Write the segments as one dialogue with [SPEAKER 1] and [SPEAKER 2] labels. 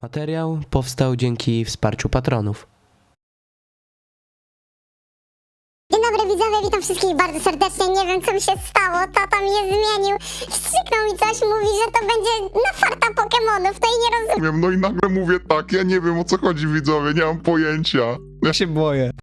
[SPEAKER 1] Materiał powstał dzięki wsparciu patronów.
[SPEAKER 2] Dzień dobry widzowie, witam wszystkich bardzo serdecznie. Nie wiem co mi się stało, tata mnie zmienił. Strzyknął mi coś, mówi, że to będzie na farta Pokemonów, to i nie rozumiem.
[SPEAKER 3] No i nagle mówię tak, ja nie wiem o co chodzi, widzowie, nie mam pojęcia.
[SPEAKER 4] Ja się boję.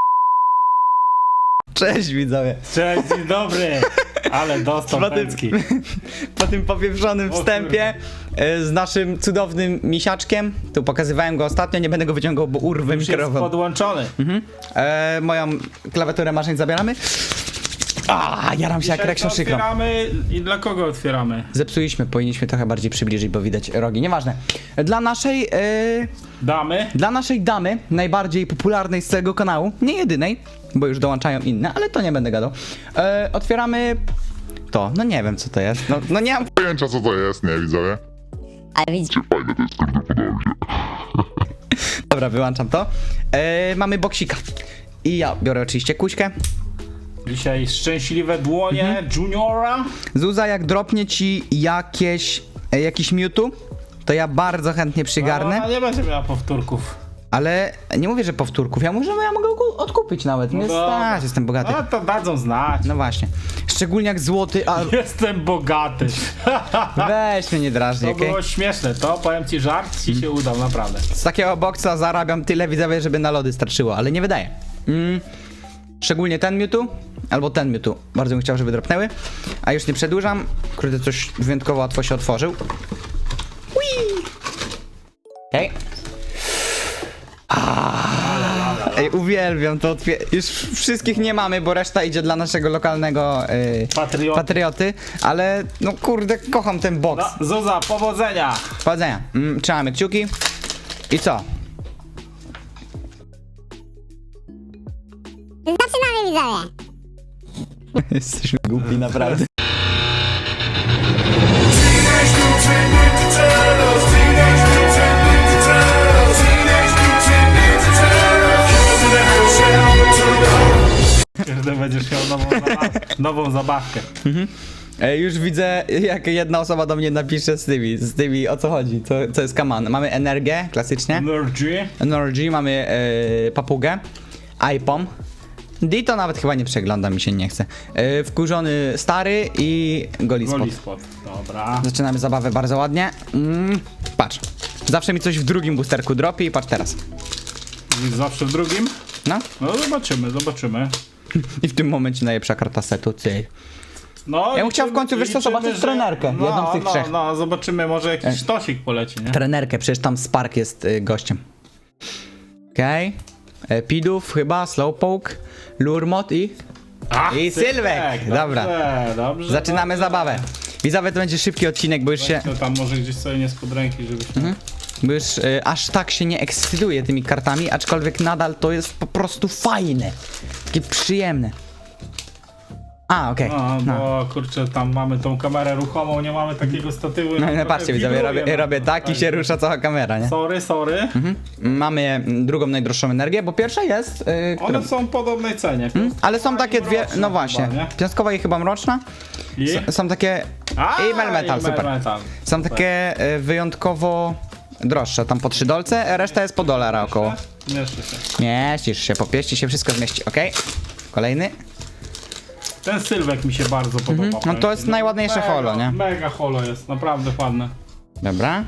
[SPEAKER 4] Cześć widzowie.
[SPEAKER 5] Cześć, dzień dobry! Ale dostał pęcki.
[SPEAKER 4] Po tym popieprzonym wstępie z naszym cudownym misiaczkiem, tu pokazywałem go ostatnio, nie będę go wyciągał, bo urwę
[SPEAKER 5] Już jest
[SPEAKER 4] mikrofon.
[SPEAKER 5] podłączony.
[SPEAKER 4] Moją klawiaturę maszyn zabieramy. Jaram się jak
[SPEAKER 5] Dzisiaj
[SPEAKER 4] Reksio Szykro.
[SPEAKER 5] otwieramy i dla kogo otwieramy?
[SPEAKER 4] Zepsuliśmy, powinniśmy trochę bardziej przybliżyć, bo widać rogi, nieważne. Dla naszej damy, najbardziej popularnej z całego kanału, nie jedynej, bo już dołączają inne, ale to nie będę gadał. Otwieramy to, no nie wiem co to jest, no nie mam
[SPEAKER 3] Pojęcia co to jest, nie, widzowie?
[SPEAKER 2] Ale widzicie,
[SPEAKER 3] Fajne to jest, kurde, podoba mi się.
[SPEAKER 4] Dobra, wyłączam to. Mamy boksika. I ja biorę oczywiście kuśkę.
[SPEAKER 5] Dzisiaj szczęśliwe dłonie Juniora.
[SPEAKER 4] Zuza, jak dropnie ci jakiś Mewtwo, to ja bardzo chętnie przygarnę.
[SPEAKER 5] Ona nie będzie miała powtórków.
[SPEAKER 4] Ale nie mówię, że powtórków. Ja mogę go odkupić nawet. Nie
[SPEAKER 5] dobra.
[SPEAKER 4] stać, jestem bogaty.
[SPEAKER 5] No to dadzą znać.
[SPEAKER 4] No właśnie. Szczególnie jak złoty, a
[SPEAKER 5] Jestem bogaty.
[SPEAKER 4] weź mnie nie drażnij,
[SPEAKER 5] To
[SPEAKER 4] okej?
[SPEAKER 5] było śmieszne, to powiem ci, żart ci się udał, naprawdę.
[SPEAKER 4] Z takiego boksa zarabiam tyle, widzowie, żeby na lody starczyło, ale nie wydaje. Szczególnie ten Mewtwo, albo ten Mewtwo. Bardzo bym chciał, żeby dropnęły. A już nie przedłużam. Kurde, coś wyjątkowo łatwo się otworzył. Okej. Ej, uwielbiam to. Już wszystkich nie mamy, bo reszta idzie dla naszego lokalnego patrioty. Ale no kurde, kocham ten boks.
[SPEAKER 5] No, Zuza, powodzenia!
[SPEAKER 4] Powodzenia. Trzymamy kciuki. I co?
[SPEAKER 2] zaczynamy widzowie.
[SPEAKER 4] Jesteśmy głupi, naprawdę.
[SPEAKER 5] Każdy będziesz miał nową zabawkę.
[SPEAKER 4] Już widzę, jak jedna osoba do mnie napisze z tymi o co chodzi, co jest kaman. Mamy energię, klasycznie. Energy, mamy papugę, iPom. Dito nawet chyba nie przegląda, mi się nie chce. Wkurzony stary i Golispot.
[SPEAKER 5] Golispot, dobra.
[SPEAKER 4] Zaczynamy zabawę bardzo ładnie. Patrz, zawsze mi coś w drugim boosterku dropi i patrz teraz.
[SPEAKER 5] Zawsze w drugim?
[SPEAKER 4] No
[SPEAKER 5] No zobaczymy.
[SPEAKER 4] i w tym momencie najlepsza karta setu, ty.
[SPEAKER 5] No,
[SPEAKER 4] Ja bym chciał w końcu, wiesz co, zobaczyć
[SPEAKER 5] że-
[SPEAKER 4] trenerkę, jedną z tych trzech.
[SPEAKER 5] No, zobaczymy, może jakiś sztosik poleci, nie?
[SPEAKER 4] Trenerkę, przecież tam Spark jest gościem. Okej. Pidów chyba, Slowpoke, Lurmot i Sylwek. Dobra.
[SPEAKER 5] Dobrze.
[SPEAKER 4] Zaczynamy zabawę. Widzowie, to będzie szybki odcinek, bo już się...
[SPEAKER 5] To tam może gdzieś sobie nie spod ręki, żebyś...
[SPEAKER 4] Bo już aż tak się nie ekscytuję tymi kartami, aczkolwiek nadal to jest po prostu fajne. Takie przyjemne. Okej.
[SPEAKER 5] No, bo kurczę, tam mamy tą kamerę ruchomą, nie mamy takiego statywu.
[SPEAKER 4] No, patrzcie widzowie, robię tak i się rusza cała kamera, nie?
[SPEAKER 5] Sorry.
[SPEAKER 4] Mamy drugą najdroższą energię, bo pierwsza jest... która...
[SPEAKER 5] One są w podobnej cenie.
[SPEAKER 4] Ale są takie dwie,
[SPEAKER 5] mroczna
[SPEAKER 4] no właśnie,
[SPEAKER 5] chyba, nie?
[SPEAKER 4] piątkowa i chyba mroczna. Są takie... I Melmetal, super.
[SPEAKER 5] Melmetal.
[SPEAKER 4] Są takie wyjątkowo droższe, tam po $3, reszta jest po $1 około.
[SPEAKER 5] Mieszczy się.
[SPEAKER 4] Mieścisz się, popieści się, wszystko zmieści, okej. Kolejny.
[SPEAKER 5] Ten Sylwek mi się bardzo podoba.
[SPEAKER 4] No to jest najładniejsze holo, nie?
[SPEAKER 5] Mega holo jest, naprawdę ładne.
[SPEAKER 4] Dobra.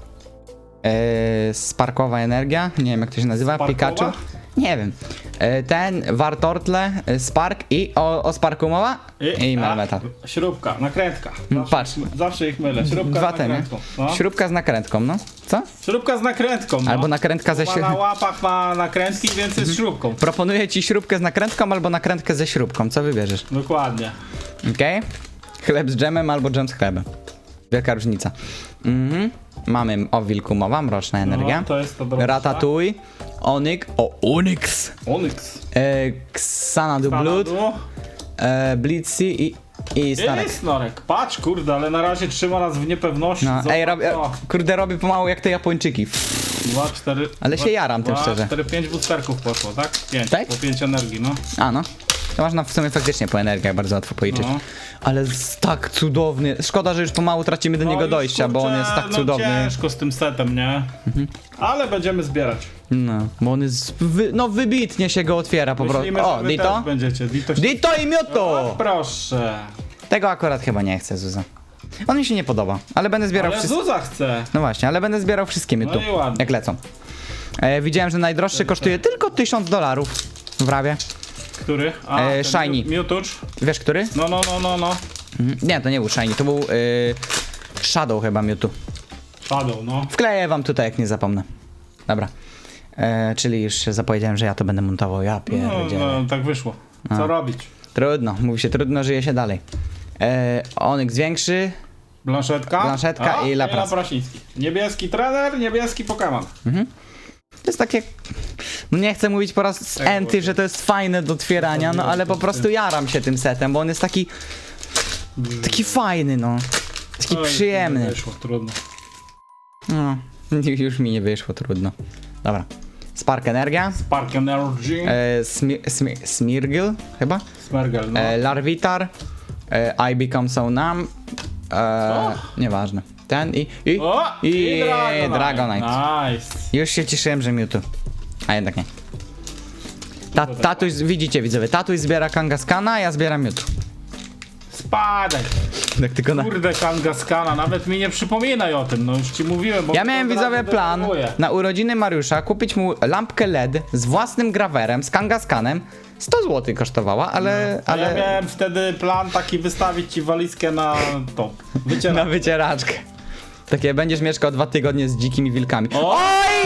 [SPEAKER 4] Sparkowa energia, nie wiem jak to się nazywa,
[SPEAKER 5] Sparkowa?
[SPEAKER 4] Pikachu. Nie wiem. Ten, Wartortle, Spark i o Sparku mowa? I Melmetal.
[SPEAKER 5] Śrubka, nakrętka.
[SPEAKER 4] Patrz.
[SPEAKER 5] Zawsze ich mylę. Śrubka
[SPEAKER 4] Dwa
[SPEAKER 5] z
[SPEAKER 4] te, nie?
[SPEAKER 5] nakrętką. No.
[SPEAKER 4] Śrubka z nakrętką, no. Co?
[SPEAKER 5] Śrubka z nakrętką. No.
[SPEAKER 4] Albo nakrętka ze
[SPEAKER 5] Ma na łapach ma nakrętki, więc jest śrubką.
[SPEAKER 4] Proponuję ci śrubkę z nakrętką albo nakrętkę ze śrubką, co wybierzesz?
[SPEAKER 5] Dokładnie.
[SPEAKER 4] Okej? Chleb z dżemem albo dżem z chlebem. Wielka różnica. Mamy o wilku mowa, mroczna energia.
[SPEAKER 5] No, to jest to droższa.
[SPEAKER 4] Ratatouille, Onyx,
[SPEAKER 5] Onyx.
[SPEAKER 4] Xanadu Blood, Blitzy i Snorek.
[SPEAKER 5] Snorek. Patrz, kurde, ale na razie trzyma nas w niepewności.
[SPEAKER 4] No,
[SPEAKER 5] Zobacz,
[SPEAKER 4] robię pomału jak te Japończyki.
[SPEAKER 5] 2, 4...
[SPEAKER 4] Ale się jaram tym szczerze.
[SPEAKER 5] 4, 5 boosterków poszło, tak? 5,
[SPEAKER 4] Tak?
[SPEAKER 5] po 5 energii, no.
[SPEAKER 4] No. To można w sumie faktycznie po energiach bardzo łatwo policzyć.
[SPEAKER 5] No.
[SPEAKER 4] Ale tak cudowny. Szkoda, że już pomału tracimy do niego
[SPEAKER 5] już,
[SPEAKER 4] dojścia, bo on jest tak
[SPEAKER 5] no
[SPEAKER 4] cudowny.
[SPEAKER 5] ciężko z tym setem, nie? Ale będziemy zbierać.
[SPEAKER 4] No, bo on jest wybitnie się go otwiera po prostu.
[SPEAKER 5] Myślimy,
[SPEAKER 4] O,
[SPEAKER 5] że wy
[SPEAKER 4] Dito?
[SPEAKER 5] też będziecie. Dito,
[SPEAKER 4] Dito i
[SPEAKER 5] O,
[SPEAKER 4] Mioto!
[SPEAKER 5] proszę.
[SPEAKER 4] Tego akurat chyba nie chcę, Zuza. On mi się nie podoba, ale będę zbierał
[SPEAKER 5] Ale
[SPEAKER 4] wszystkie.
[SPEAKER 5] Zuza chce.
[SPEAKER 4] No właśnie, ale będę zbierał wszystkie Mioto,
[SPEAKER 5] No i ładnie.
[SPEAKER 4] jak lecą. Widziałem, że najdroższy kosztuje tylko $1000 w Rawie.
[SPEAKER 5] Który? A, ten
[SPEAKER 4] Shiny.
[SPEAKER 5] Mewtwo.
[SPEAKER 4] Wiesz, który?
[SPEAKER 5] No.
[SPEAKER 4] Nie, to nie był Shiny, to był Shadow chyba Mewtwo.
[SPEAKER 5] Shadow, no.
[SPEAKER 4] Wkleję wam tutaj, jak nie zapomnę. Dobra. Czyli już się zapowiedziałem, że ja to będę montował. Ja pierdzielę.
[SPEAKER 5] No, tak wyszło. Co robić?
[SPEAKER 4] Trudno, mówi się, trudno żyje się dalej. Onyx większy.
[SPEAKER 5] Blanszetka
[SPEAKER 4] i Lapras.
[SPEAKER 5] Laprasiński. Niebieski trener, niebieski Pokémon.
[SPEAKER 4] To jest takie... No nie chcę mówić po raz enty, że to jest fajne do otwierania, no ale po prostu jaram się tym setem, bo on jest taki... Taki fajny, no. Taki
[SPEAKER 5] Oj,
[SPEAKER 4] przyjemny.
[SPEAKER 5] nie wyszło, trudno.
[SPEAKER 4] No, już mi nie wyszło, trudno. Dobra. Spark Energia.
[SPEAKER 5] Spark Energy.
[SPEAKER 4] Smirgil chyba.
[SPEAKER 5] Smergel, no.
[SPEAKER 4] Larvitar. I Become So Numb. Nieważne. Ten i Dragonite.
[SPEAKER 5] Nice.
[SPEAKER 4] Już się cieszyłem, że Mewtwo. A jednak nie. Tatuś, widzicie widzowie, tatuś zbiera Kangaskana, a ja zbieram Mewtwo.
[SPEAKER 5] Spadaj.
[SPEAKER 4] Tak tylko na...
[SPEAKER 5] Kurde, Kangaskana, nawet mi nie przypominaj o tym, no już ci mówiłem, bo...
[SPEAKER 4] Ja miałem
[SPEAKER 5] od razu
[SPEAKER 4] widzowie plan
[SPEAKER 5] denerwuję.
[SPEAKER 4] na urodziny Mariusza kupić mu lampkę LED z własnym grawerem, z Kangaskanem. 100 zł kosztowała, ale...
[SPEAKER 5] A ja miałem wtedy plan taki wystawić ci walizkę na to.
[SPEAKER 4] Na
[SPEAKER 5] Wycierać.
[SPEAKER 4] wycieraczkę. Takie będziesz mieszkał 2 tygodnie z dzikimi wilkami.
[SPEAKER 5] O!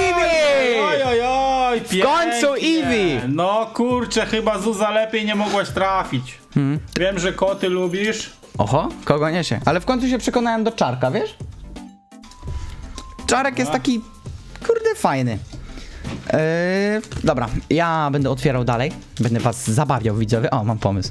[SPEAKER 5] Oj,
[SPEAKER 4] W końcu Eevee!
[SPEAKER 5] No kurczę, chyba Zuza lepiej nie mogłaś trafić. Wiem, że koty lubisz.
[SPEAKER 4] Oho, kogo niesie? Ale w końcu się przekonałem do Czarka, wiesz? Czarek jest taki, kurde, fajny. Dobra, ja będę otwierał dalej. Będę was zabawiał, widzowie. O, mam pomysł.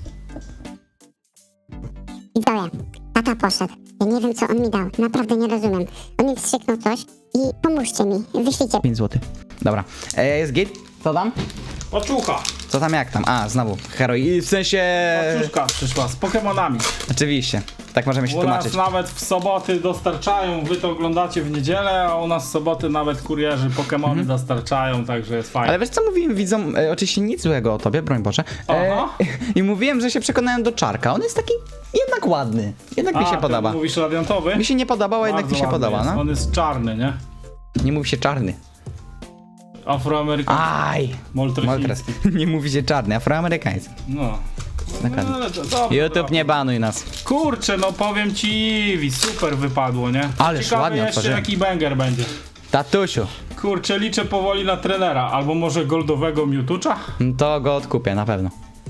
[SPEAKER 2] Widzowie, tata poszedł. Ja nie wiem, co on mi dał. Naprawdę nie rozumiem. On mi wstrzyknął coś i pomóżcie mi. Wyślijcie.
[SPEAKER 4] 5 zł. Dobra, jest git. Co tam?
[SPEAKER 5] Paczucha.
[SPEAKER 4] Co tam, jak tam? A, znowu, heroi. W sensie...
[SPEAKER 5] Paczuszka przyszła z Pokemonami.
[SPEAKER 4] Oczywiście, tak możemy się
[SPEAKER 5] U
[SPEAKER 4] tłumaczyć.
[SPEAKER 5] nas nawet w soboty dostarczają, wy to oglądacie w niedzielę, a u nas w soboty nawet kurierzy Pokemony dostarczają, także jest fajnie.
[SPEAKER 4] Ale wiesz co mówiłem widzom, oczywiście nic złego o tobie, broń Boże.
[SPEAKER 5] Aha.
[SPEAKER 4] I mówiłem, że się przekonałem do Czarka. On jest taki jednak ładny. Jednak mi się
[SPEAKER 5] ten
[SPEAKER 4] podoba.
[SPEAKER 5] Mówisz radiantowy?
[SPEAKER 4] Mi się nie podobało, a jednak
[SPEAKER 5] Bardzo
[SPEAKER 4] mi się
[SPEAKER 5] ładny
[SPEAKER 4] podoba,
[SPEAKER 5] jest.
[SPEAKER 4] no.
[SPEAKER 5] On jest czarny, nie?
[SPEAKER 4] Nie mówi się czarny.
[SPEAKER 5] Afroamerykański.
[SPEAKER 4] Aj! Moltres.
[SPEAKER 5] Moltresiński.
[SPEAKER 4] Nie mówi się czarny, afroamerykański.
[SPEAKER 5] No.
[SPEAKER 4] Dokładnie.
[SPEAKER 5] No, ale to dobrze,
[SPEAKER 4] YouTube
[SPEAKER 5] dobrze.
[SPEAKER 4] nie banuj nas.
[SPEAKER 5] Kurczę, no powiem ci, Eevee, super wypadło, nie?
[SPEAKER 4] Ależ
[SPEAKER 5] Ciekawe
[SPEAKER 4] ładnie
[SPEAKER 5] jeszcze
[SPEAKER 4] otworzyłem.
[SPEAKER 5] jaki banger będzie.
[SPEAKER 4] Tatusiu,
[SPEAKER 5] Kurczę, liczę powoli na trenera, albo może goldowego Mewtwo'a?
[SPEAKER 4] to go odkupię na pewno.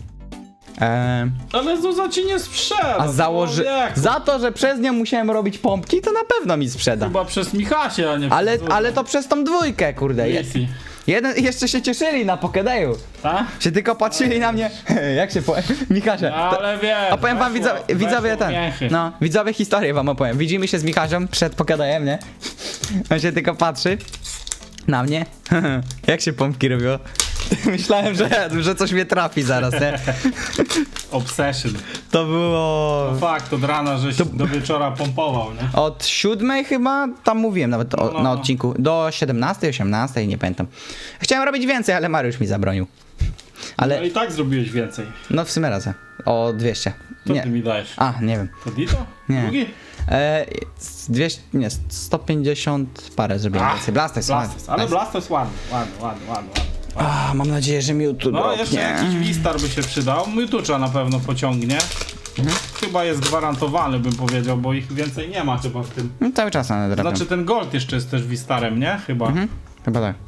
[SPEAKER 5] Ale Zuza ci nie sprzeda.
[SPEAKER 4] A założy...
[SPEAKER 5] człowieku.
[SPEAKER 4] Za to, że przez nią musiałem robić pompki, to na pewno mi sprzeda.
[SPEAKER 5] Chyba przez Michasie, a nie
[SPEAKER 4] Ale,
[SPEAKER 5] przez Zuzę.
[SPEAKER 4] ale to przez tą dwójkę, kurde.
[SPEAKER 5] Easy.
[SPEAKER 4] Jeszcze się cieszyli na Pokedeju.
[SPEAKER 5] Tak?
[SPEAKER 4] Się tylko patrzyli na mnie. Jak się powiem? Michasia.
[SPEAKER 5] Ale wiesz,
[SPEAKER 4] A powiem wam widzowie ten.
[SPEAKER 5] Mięchy.
[SPEAKER 4] No, widzowie historię wam opowiem. Widzimy się z Michasią przed Pokedejem, nie? On się tylko patrzy na mnie. Jak się pompki robiło? Myślałem, że coś mnie trafi zaraz, nie?
[SPEAKER 5] Obsession.
[SPEAKER 4] To było...
[SPEAKER 5] Fakt, od rana żeś do wieczora pompował, nie?
[SPEAKER 4] Od 7 chyba, tam mówiłem nawet
[SPEAKER 5] No.
[SPEAKER 4] na odcinku, do 17, 18, nie pamiętam. Chciałem robić więcej, ale Mariusz mi zabronił. Ale,
[SPEAKER 5] No i tak zrobiłeś więcej.
[SPEAKER 4] no w sumie razem, o 200.
[SPEAKER 5] Co
[SPEAKER 4] Nie.
[SPEAKER 5] ty mi dajesz?
[SPEAKER 4] A, nie wiem.
[SPEAKER 5] To Dito?
[SPEAKER 4] Nie.
[SPEAKER 5] Drugi?
[SPEAKER 4] 200, nie, 150 parę zrobiłem więcej. Blastoise,
[SPEAKER 5] Blastoise. Ale Blastoise ładny, ładny.
[SPEAKER 4] Mam nadzieję, że mi tu
[SPEAKER 5] No jeszcze jakiś Wistar by się przydał. Mewtwo'a na pewno pociągnie. Chyba jest gwarantowany, bym powiedział, bo ich więcej nie ma chyba w tym.
[SPEAKER 4] No, cały czas na drapią.
[SPEAKER 5] Znaczy ten Gold jeszcze jest też Wistarem, nie? Chyba.
[SPEAKER 4] Chyba tak.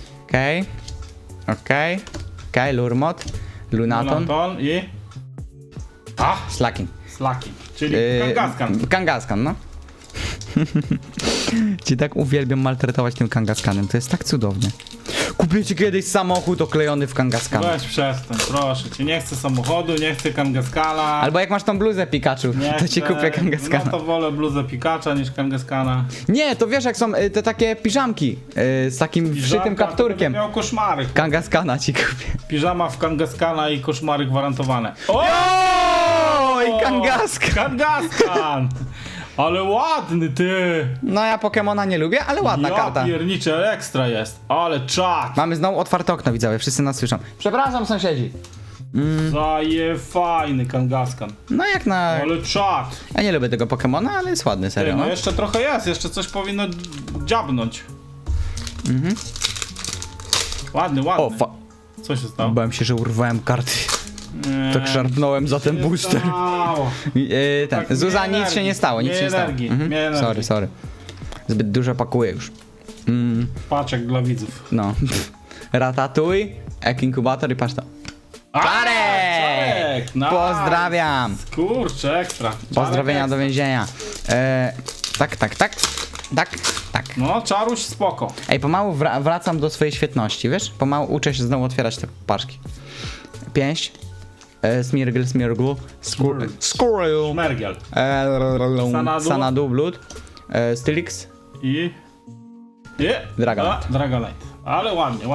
[SPEAKER 4] Okej, Lurmot, Lunaton,
[SPEAKER 5] Lunaton i...
[SPEAKER 4] Slaking.
[SPEAKER 5] Slaki. Czyli Kangaskhan.
[SPEAKER 4] Kangaskhan, no. Ci tak uwielbiam maltretować tym Kangaskanem, to jest tak cudownie. Kupię ci kiedyś samochód oklejony w Kangaskana.
[SPEAKER 5] Weź przestań, proszę cię. Nie chcę samochodu, nie chcę Kangaskana.
[SPEAKER 4] Albo jak masz tą bluzę Pikachu,
[SPEAKER 5] nie
[SPEAKER 4] to ci
[SPEAKER 5] chcę.
[SPEAKER 4] kupię Kangaskana.
[SPEAKER 5] No to wolę bluzę Pikacha niż Kangaskana.
[SPEAKER 4] Nie, to wiesz jak są te takie piżamki z takim wszytym
[SPEAKER 5] Piżamka, to
[SPEAKER 4] kapturkiem.
[SPEAKER 5] będę miał koszmary.
[SPEAKER 4] Kangaskana ci kupię.
[SPEAKER 5] Piżama w Kangaskana i koszmary gwarantowane. O!
[SPEAKER 4] I Kangaska!
[SPEAKER 5] Kangaskan! Ale ładny ty!
[SPEAKER 4] No ja Pokemona nie lubię, ale ładna
[SPEAKER 5] Ja
[SPEAKER 4] karta.
[SPEAKER 5] pierniczę, ale ekstra jest. Ale czad!
[SPEAKER 4] Mamy znowu otwarte okno, widzowie, wszyscy nas słyszą. Przepraszam, sąsiedzi.
[SPEAKER 5] Zaje fajny Kangaskan.
[SPEAKER 4] No jak na...
[SPEAKER 5] Ale czad!
[SPEAKER 4] Ja nie lubię tego Pokemona, ale jest ładny,
[SPEAKER 5] Ty,
[SPEAKER 4] serio.
[SPEAKER 5] no
[SPEAKER 4] No.
[SPEAKER 5] jeszcze trochę jest, jeszcze coś powinno dziabnąć. Ładny, ładny.
[SPEAKER 4] O,
[SPEAKER 5] Co się stało?
[SPEAKER 4] bałem się, że urwałem karty.
[SPEAKER 5] Nie.
[SPEAKER 4] Tak szarpnąłem za ten booster.
[SPEAKER 5] Stało.
[SPEAKER 4] Ten,
[SPEAKER 5] Tak,
[SPEAKER 4] Zuza,
[SPEAKER 5] mniej
[SPEAKER 4] nic się nie
[SPEAKER 5] energii,
[SPEAKER 4] stało, nic
[SPEAKER 5] mniej
[SPEAKER 4] się nie stało.
[SPEAKER 5] energii, mniej energii.
[SPEAKER 4] Sorry. Zbyt dużo pakuję już.
[SPEAKER 5] Paczek dla widzów.
[SPEAKER 4] No. Ratatouille, Ek Inkubator i patrz to.
[SPEAKER 5] Czarek! Nice.
[SPEAKER 4] Pozdrawiam!
[SPEAKER 5] Kurczę, ekstra.
[SPEAKER 4] Pozdrowienia
[SPEAKER 5] Czarek
[SPEAKER 4] do więzienia. Tak.
[SPEAKER 5] No, czaruś spoko.
[SPEAKER 4] Ej, pomału wracam do swojej świetności, wiesz? Pomału uczę się znowu otwierać te paczki. Pięść. Smirgl, Squirrel.
[SPEAKER 5] Mergiel.
[SPEAKER 4] Sanadu, Blood. Stylix.
[SPEAKER 5] I...
[SPEAKER 4] Dragonite.
[SPEAKER 5] Dragonite. Ale ładnie.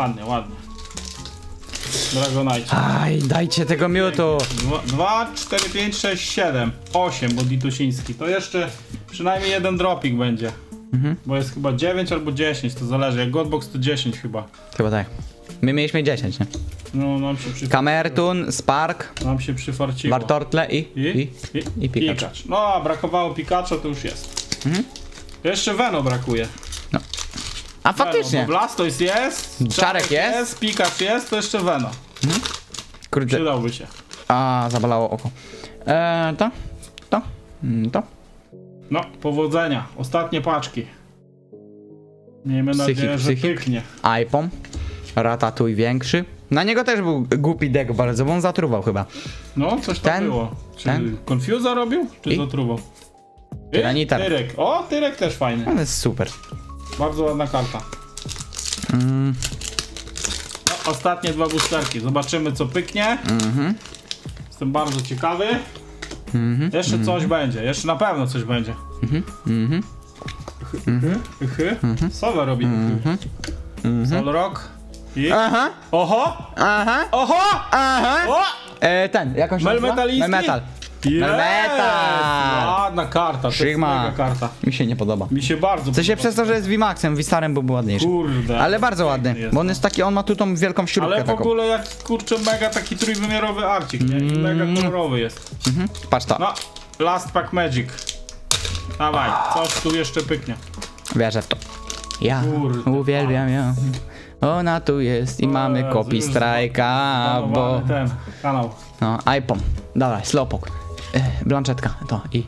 [SPEAKER 5] Dragonite.
[SPEAKER 4] Aj, dajcie tego miutu.
[SPEAKER 5] 2, 4, 5, 6, 7, 8, bo Ditusiński. To jeszcze przynajmniej jeden dropik będzie. Bo jest chyba 9 albo 10, to zależy. Jak Godbox to 10 chyba.
[SPEAKER 4] Chyba tak. My mieliśmy 10, nie?
[SPEAKER 5] No, nam się przyfarciło.
[SPEAKER 4] Kamertun, Spark,
[SPEAKER 5] Nam się przyfarciło.
[SPEAKER 4] Wartortle i Pikachu.
[SPEAKER 5] No, a brakowało Pikachu, to już jest. Jeszcze Veno brakuje.
[SPEAKER 4] A
[SPEAKER 5] Veno,
[SPEAKER 4] faktycznie.
[SPEAKER 5] bo Blastoise jest,
[SPEAKER 4] Czarek jest.
[SPEAKER 5] Pikachu jest, to jeszcze Veno.
[SPEAKER 4] Kurde.
[SPEAKER 5] Przydałby się.
[SPEAKER 4] A, zabolało oko. To.
[SPEAKER 5] No, powodzenia. Ostatnie paczki. Miejmy nadzieję, że
[SPEAKER 4] Psychik.
[SPEAKER 5] pyknie.
[SPEAKER 4] iPom. Ratatouille większy. Na niego też był głupi deck bardzo, bo on zatruwał chyba.
[SPEAKER 5] No, coś tam
[SPEAKER 4] Ten?
[SPEAKER 5] było. Czy
[SPEAKER 4] Ten?
[SPEAKER 5] Confusa robił? Czy
[SPEAKER 4] I?
[SPEAKER 5] zatruwał?
[SPEAKER 4] Tyranitar.
[SPEAKER 5] Tyrek. O, Tyrek też fajny.
[SPEAKER 4] Ale jest super.
[SPEAKER 5] Bardzo ładna karta. No, ostatnie dwa boosterki. Zobaczymy, co pyknie. Jestem bardzo ciekawy. Jeszcze coś będzie. Jeszcze na pewno coś będzie. Sowa robi. Solrock. I...
[SPEAKER 4] Aha,
[SPEAKER 5] Oho!
[SPEAKER 4] aha,
[SPEAKER 5] Oho!
[SPEAKER 4] aha.
[SPEAKER 5] O!
[SPEAKER 4] Ten, jakąś się nazywa?
[SPEAKER 5] Melmetaliński?
[SPEAKER 4] Melmetal.
[SPEAKER 5] Yes! Ładna karta, to jest
[SPEAKER 4] Sigma.
[SPEAKER 5] mega karta.
[SPEAKER 4] Mi się nie podoba.
[SPEAKER 5] Mi się bardzo
[SPEAKER 4] W sensie
[SPEAKER 5] podoba.
[SPEAKER 4] przez to, że jest VMAXem, Vistarem byłby ładniejszy.
[SPEAKER 5] Kurde.
[SPEAKER 4] Ale bardzo ładny,
[SPEAKER 5] piękny jest,
[SPEAKER 4] bo on
[SPEAKER 5] no.
[SPEAKER 4] jest taki, on ma tu tą wielką śrubkę
[SPEAKER 5] Ale w
[SPEAKER 4] taką.
[SPEAKER 5] ogóle jak kurczę mega taki trójwymiarowy arcik, nie? I mega kolorowy jest.
[SPEAKER 4] Patrz to,
[SPEAKER 5] No, Last Pack Magic. Dawaj, coś tu jeszcze pyknie.
[SPEAKER 4] wierzę w to. Ja
[SPEAKER 5] Kurde,
[SPEAKER 4] uwielbiam ją. Ona tu jest i mamy
[SPEAKER 5] Jezu,
[SPEAKER 4] kopi
[SPEAKER 5] już
[SPEAKER 4] strajka, bo...
[SPEAKER 5] Planowany ten kanał.
[SPEAKER 4] No, iPom. Dawaj, Slowpoke. Blanczetka, to i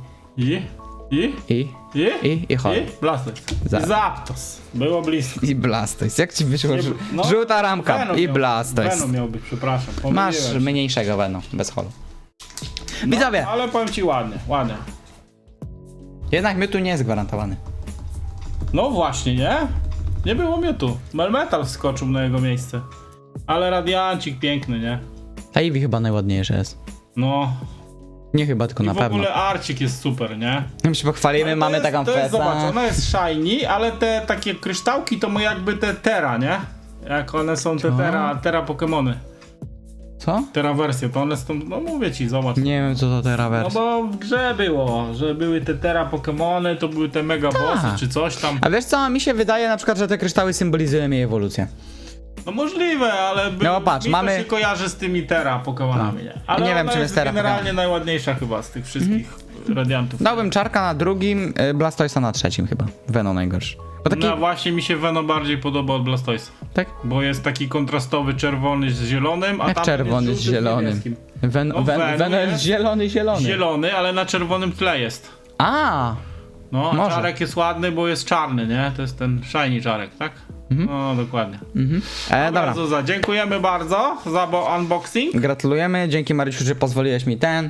[SPEAKER 4] chodź.
[SPEAKER 5] I Blastoise.
[SPEAKER 4] Za-
[SPEAKER 5] I Zapdos. Było blisko.
[SPEAKER 4] I Blastoise. Jak ci wyszło?
[SPEAKER 5] No,
[SPEAKER 4] Żółta ramka
[SPEAKER 5] Venom
[SPEAKER 4] i
[SPEAKER 5] miał-
[SPEAKER 4] Blastoise.
[SPEAKER 5] Venom miał być, przepraszam.
[SPEAKER 4] Masz
[SPEAKER 5] pomyliłem się.
[SPEAKER 4] mniejszego Venom, bez holu. Widzowie,
[SPEAKER 5] Ale powiem ci ładnie, ładnie.
[SPEAKER 4] jednak Mewtwo nie jest gwarantowany.
[SPEAKER 5] No właśnie, nie? Nie było Mewtwo. Melmetal wskoczył na jego miejsce. Ale Radiancik piękny, nie?
[SPEAKER 4] Ta Eevee chyba najładniejsza jest.
[SPEAKER 5] No.
[SPEAKER 4] Nie chyba, tylko
[SPEAKER 5] I
[SPEAKER 4] na
[SPEAKER 5] w
[SPEAKER 4] pewno.
[SPEAKER 5] ogóle Arcik jest super, nie?
[SPEAKER 4] My się pochwalimy,
[SPEAKER 5] Ale
[SPEAKER 4] mamy
[SPEAKER 5] to jest,
[SPEAKER 4] taką
[SPEAKER 5] to jest,
[SPEAKER 4] festę.
[SPEAKER 5] Zobacz, ona jest shiny, ale te takie kryształki to ma jakby te Terra, nie? Jak one są te Terra Pokemony.
[SPEAKER 4] Co?
[SPEAKER 5] Terra wersje, to one są, no mówię ci, zobacz.
[SPEAKER 4] Nie wiem, co to teraz
[SPEAKER 5] No
[SPEAKER 4] wersja.
[SPEAKER 5] bo w grze było, że były te Terra Pokemony, to były te Mega Bossy czy coś tam.
[SPEAKER 4] A wiesz co, mi się wydaje na przykład, że te kryształy symbolizują jej ewolucję.
[SPEAKER 5] No możliwe, ale
[SPEAKER 4] No patrz,
[SPEAKER 5] mi
[SPEAKER 4] mamy-
[SPEAKER 5] to się kojarzy z tymi Terra Pokemonami, nie? Ale
[SPEAKER 4] Nie wiem,
[SPEAKER 5] ona
[SPEAKER 4] czym jest Terra
[SPEAKER 5] generalnie
[SPEAKER 4] Pokemon.
[SPEAKER 5] najładniejsza chyba z tych wszystkich Radiantów.
[SPEAKER 4] Dałbym Czarka na drugim, Blastoise'a na trzecim chyba. Venom najgorszy. Bo taki,
[SPEAKER 5] No właśnie mi się Venom bardziej podoba od Blastoise.
[SPEAKER 4] tak?
[SPEAKER 5] Bo jest taki kontrastowy czerwony z zielonym, a
[SPEAKER 4] Jak
[SPEAKER 5] tam
[SPEAKER 4] czerwony
[SPEAKER 5] jest
[SPEAKER 4] z
[SPEAKER 5] żółty
[SPEAKER 4] zielonym.
[SPEAKER 5] niebieskim.
[SPEAKER 4] No,
[SPEAKER 5] Venom
[SPEAKER 4] Venom jest
[SPEAKER 5] jest
[SPEAKER 4] zielony.
[SPEAKER 5] Zielony, ale na czerwonym tle jest.
[SPEAKER 4] A,
[SPEAKER 5] No, a
[SPEAKER 4] Może.
[SPEAKER 5] czarek jest ładny, bo jest czarny, nie? To jest ten shiny czarek, tak? No, dokładnie.
[SPEAKER 4] dobra.
[SPEAKER 5] Bardzo dziękujemy bardzo za unboxing.
[SPEAKER 4] Gratulujemy, dzięki Marysiu, że pozwoliłeś mi ten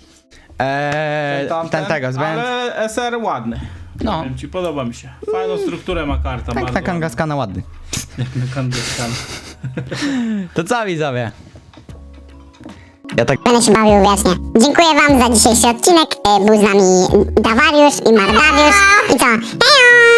[SPEAKER 4] tego zbędny.
[SPEAKER 5] Ale SR ładny.
[SPEAKER 4] No.
[SPEAKER 5] Powiem ci, podoba mi się. Fajną strukturę ma karta.
[SPEAKER 4] Tak,
[SPEAKER 5] bardzo
[SPEAKER 4] na
[SPEAKER 5] ładna.
[SPEAKER 4] Kangaskana ładny.
[SPEAKER 5] Jak na kandyskan.
[SPEAKER 4] To co widzowie? Ja tak...
[SPEAKER 2] Będę się bawił wiecznie. Dziękuję wam za dzisiejszy odcinek. Był z nami Dawariusz i Mardariusz. I co? Hejo!